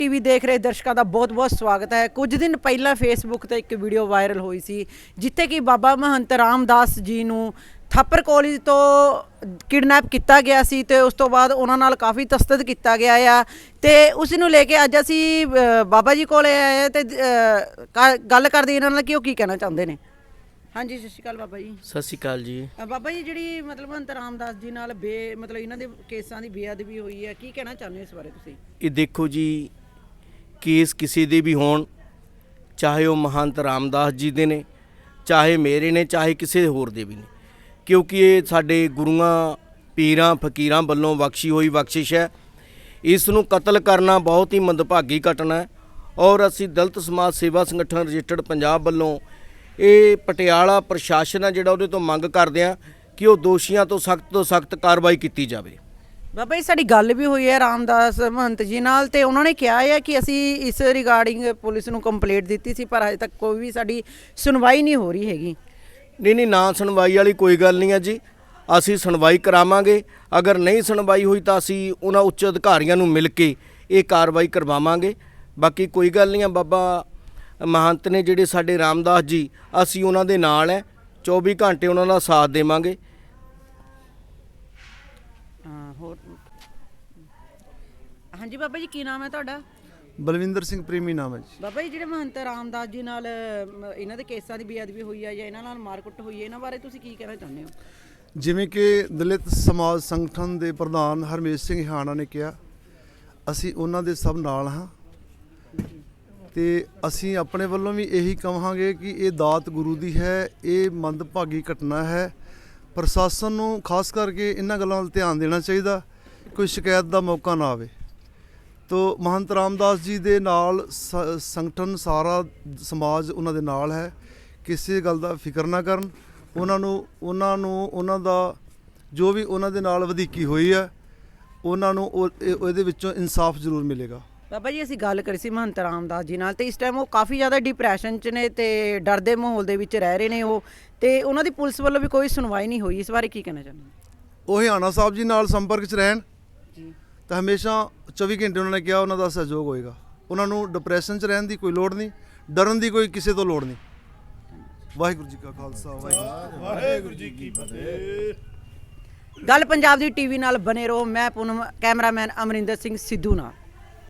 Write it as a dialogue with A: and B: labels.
A: TV देख रहे दर्शकों का बहुत बहुत स्वागत है। कुछ दिन पहला फेसबुक ਤੇ एक वीडियो वायरल हुई सी जिथे कि बाबा महंत रामदास जी ਨੂੰ ਥਾਪਰ ਕਾਲਜ ਤੋਂ ਕਿਡਨੈਪ ਕੀਤਾ ਗਿਆ ਸੀ ਤੇ ਉਸ ਤੋਂ ਬਾਅਦ ਉਹਨਾਂ ਨਾਲ ਕਾਫੀ ਤਸਦੀਕ ਕੀਤਾ ਗਿਆ ਆ ਤੇ ਉਸ ਨੂੰ ਲੈ ਕੇ ਅੱਜ ਅਸੀਂ ਬਾਬਾ ਜੀ ਕੋਲੇ ਆਏ ਤੇ ਗੱਲ ਕਰਦੇ ਇਹਨਾਂ ਨਾਲ ਕਿ ਉਹ ਕੀ ਕਹਿਣਾ ਚਾਹੁੰਦੇ ਨੇ। ਹਾਂਜੀ, ਸਤਿ ਸ਼੍ਰੀ ਅਕਾਲ ਬਾਬਾ ਜੀ।
B: ਸਤਿ ਸ਼੍ਰੀ ਅਕਾਲ ਜੀ।
A: ਬਾਬਾ ਜੀ, ਜਿਹੜੀ ਮਤਲਬ महंत रामदास जी ਨਾਲ ਮਤਲਬ ਇਹਨਾਂ ਦੇ ਕੇਸਾਂ ਦੀ ਬੇਅਦਬੀ ਹੋਈ ਹੈ, ਕੀ ਕਹਿਣਾ ਚਾਹੁੰਦੇ ਹੋ ਇਸ ਬਾਰੇ ਤੁਸੀਂ?
B: ਇਹ ਦੇਖੋ ਜੀ, ਕੇਸ ਕਿਸੇ ਦੇ ਵੀ ਹੋਣ, ਚਾਹੇ ਉਹ महंत रामदास जी ਦੇ ਨੇ, ਚਾਹੇ ਮੇਰੇ ਨੇ, ਚਾਹੇ ਕਿਸੇ ਹੋਰ ਦੇ ਵੀ ਨੇ, ਕਿਉਂਕਿ ਇਹ ਸਾਡੇ ਗੁਰੂਆਂ ਪੀਰਾਂ ਫਕੀਰਾਂ ਵੱਲੋਂ ਬਖਸ਼ੀ ਹੋਈ ਬਖਸ਼ਿਸ਼ ਹੈ। ਇਸ ਨੂੰ ਕਤਲ ਕਰਨਾ ਬਹੁਤ ਹੀ ਮੰਦਭਾਗੀ ਘਟਨਾ ਹੈ ਔਰ ਅਸੀਂ ਦਲਿਤ ਸਮਾਜ ਸੇਵਾ ਸੰਗਠਨ ਰਜਿਸਟਰਡ ਪੰਜਾਬ ਵੱਲੋਂ ਇਹ ਪਟਿਆਲਾ ਪ੍ਰਸ਼ਾਸਨ ਹੈ ਜਿਹੜਾ ਉਹਦੇ ਤੋਂ ਮੰਗ ਕਰਦੇ ਆ ਕਿ ਉਹ ਦੋਸ਼ੀਆਂ ਤੋਂ ਸਖਤ ਕਾਰਵਾਈ ਕੀਤੀ ਜਾਵੇ।
A: ਬਾਬਾ ਜੀ, ਸਾਡੀ ਗੱਲ ਵੀ ਹੋਈ ਹੈ ਰਾਮਦਾਸ ਮਹੰਤ ਜੀ ਨਾਲ ਤੇ ਉਹਨਾਂ ਨੇ ਕਿਹਾ ਹੈ ਕਿ ਅਸੀਂ ਇਸ ਰਿਗਾਰਡਿੰਗ ਪੁਲਿਸ ਨੂੰ ਕੰਪਲੇਂਟ ਦਿੱਤੀ ਸੀ ਪਰ ਹਜੇ ਤੱਕ ਕੋਈ ਵੀ ਸਾਡੀ ਸੁਣਵਾਈ ਨਹੀਂ ਹੋ ਰਹੀ ਹੈਗੀ।
B: ਨਹੀਂ, ਨਾ ਸੁਣਵਾਈ ਵਾਲੀ ਕੋਈ ਗੱਲ ਨਹੀਂ ਹੈ ਜੀ, ਅਸੀਂ ਸੁਣਵਾਈ ਕਰਾਵਾਂਗੇ। ਅਗਰ ਨਹੀਂ ਸੁਣਵਾਈ ਹੋਈ ਤਾਂ ਅਸੀਂ ਉਹਨਾਂ ਉੱਚ ਅਧਿਕਾਰੀਆਂ ਨੂੰ ਮਿਲ ਕੇ ਇਹ ਕਾਰਵਾਈ ਕਰਵਾਵਾਂਗੇ। ਬਾਕੀ ਕੋਈ ਗੱਲ ਨਹੀਂ ਹੈ, ਬਾਬਾ महंत ਨੇ ਜਿਹੜੇ ਸਾਡੇ ਰਾਮਦਾਸ ਜੀ, ਅਸੀਂ ਉਹਨਾਂ ਦੇ ਨਾਲ ਹੈ, 24 ਘੰਟੇ ਉਹਨਾਂ ਦਾ ਸਾਥ ਦੇਵਾਂਗੇ।
A: ਹੋਰ ਹਾਂਜੀ ਬਾਬਾ ਜੀ, ਕੀ ਨਾਮ ਹੈ ਤੁਹਾਡਾ?
C: ਬਲਵਿੰਦਰ ਸਿੰਘ ਪ੍ਰੇਮੀ ਨਾਮ ਹੈ ਜੀ।
A: ਬਾਬਾ ਜੀ, ਜਿਹੜੇ महंत ਰਾਮਦਾਸ ਜੀ ਨਾਲ ਇਹਨਾਂ ਦੇ ਕੇਸਾਂ ਦੀ ਬੇਅਦਬੀ ਹੋਈ ਹੈ ਜਾਂ ਇਹਨਾਂ ਨਾਲ ਮਾਰਕੁੱਟ ਹੋਈ ਹੈ, ਇਹਨਾਂ ਬਾਰੇ ਤੁਸੀਂ ਕੀ ਕਹਿਣਾ ਚਾਹੁੰਦੇ ਹੋ?
C: ਜਿਵੇਂ ਕਿ ਦਲਿਤ ਸਮਾਜ ਸੰਗਠਨ ਦੇ ਪ੍ਰਧਾਨ ਹਰਮੇਸ਼ ਸਿੰਘ ਹਾਣਾ ਨੇ ਕਿਹਾ, ਅਸੀਂ ਉਹਨਾਂ ਦੇ ਸਭ ਨਾਲ ਹਾਂ ਤੇ ਅਸੀਂ ਆਪਣੇ ਵੱਲੋਂ ਵੀ ਇਹੀ ਕਹਾਂਗੇ ਕਿ ਇਹ ਦਾਤ ਗੁਰੂ ਦੀ ਹੈ, ਇਹ ਮੰਦਭਾਗੀ ਘਟਨਾ ਹੈ। ਪ੍ਰਸ਼ਾਸਨ ਨੂੰ ਖਾਸ ਕਰਕੇ ਇਹਨਾਂ ਗੱਲਾਂ ਵੱਲ ਧਿਆਨ ਦੇਣਾ ਚਾਹੀਦਾ, ਕੋਈ ਸ਼ਿਕਾਇਤ ਦਾ ਮੌਕਾ ਨਾ ਆਵੇ। ਤੋ महंत ਰਾਮਦਾਸ ਜੀ ਦੇ ਨਾਲ ਸੰਗਠਨ ਸਾਰਾ ਸਮਾਜ ਉਹਨਾਂ ਦੇ ਨਾਲ ਹੈ, ਕਿਸੇ ਗੱਲ ਦਾ ਫਿਕਰ ਨਾ ਕਰਨ। ਉਹਨਾਂ ਦਾ ਜੋ ਵੀ ਉਹਨਾਂ ਦੇ ਨਾਲ ਵਧੀਕੀ ਹੋਈ ਹੈ ਉਹਨਾਂ ਨੂੰ ਉਹਦੇ ਵਿੱਚੋਂ ਇਨਸਾਫ ਜ਼ਰੂਰ ਮਿਲੇਗਾ।
A: ਬਾਬਾ ਜੀ, ਅਸੀਂ ਗੱਲ ਕਰੀ ਸੀ महंत ਰਾਮਦਾਸ ਜੀ ਨਾਲ ਤੇ ਇਸ ਟਾਈਮ ਉਹ ਕਾਫੀ ਜ਼ਿਆਦਾ ਡਿਪਰੈਸ਼ਨ 'ਚ ਨੇ ਤੇ ਡਰ ਦੇ ਮਾਹੌਲ ਦੇ ਵਿੱਚ ਰਹਿ ਰਹੇ ਨੇ ਉਹ, ਤੇ ਉਹਨਾਂ ਦੀ ਪੁਲਿਸ ਵੱਲੋਂ ਵੀ ਕੋਈ ਸੁਣਵਾਈ ਨਹੀਂ ਹੋਈ। ਇਸ ਬਾਰੇ ਕੀ ਕਹਿਣਾ ਚਾਹੁੰਦੇ ਹੋ?
C: ਉਹ ਹਿਆਣਾ ਸਾਹਿਬ ਜੀ ਨਾਲ ਸੰਪਰਕ 'ਚ ਰਹਿਣ ਜੀ, ਤਾਂ ਹਮੇਸ਼ਾ 24 ਘੰਟੇ ਉਹਨਾਂ ਨੇ ਕਿਹਾ ਉਹਨਾਂ ਦਾ ਸਹਿਯੋਗ ਹੋਏਗਾ। ਉਹਨਾਂ ਨੂੰ ਡਿਪਰੈਸ਼ਨ 'ਚ ਰਹਿਣ ਦੀ ਕੋਈ ਲੋੜ ਨਹੀਂ, ਡਰਨ ਦੀ ਕੋਈ ਕਿਸੇ ਤੋਂ ਲੋੜ ਨਹੀਂ। ਵਾਹਿਗੁਰੂ ਜੀ ਕਾ ਖਾਲਸਾ, ਵਾਹਿਗੁਰੂ ਜੀ ਕੀ ਫਤਿਹ।
A: ਗੱਲ ਪੰਜਾਬ ਦੀ ਟੀਵੀ ਨਾਲ ਬਨੇ ਰਹੋ। ਮੈਂ ਪੂਨਮ, ਕੈਮਰਾਮੈਨ ਅਮਰਿੰਦਰ ਸਿੰਘ ਸਿੱਧੂ ਨਾਲ।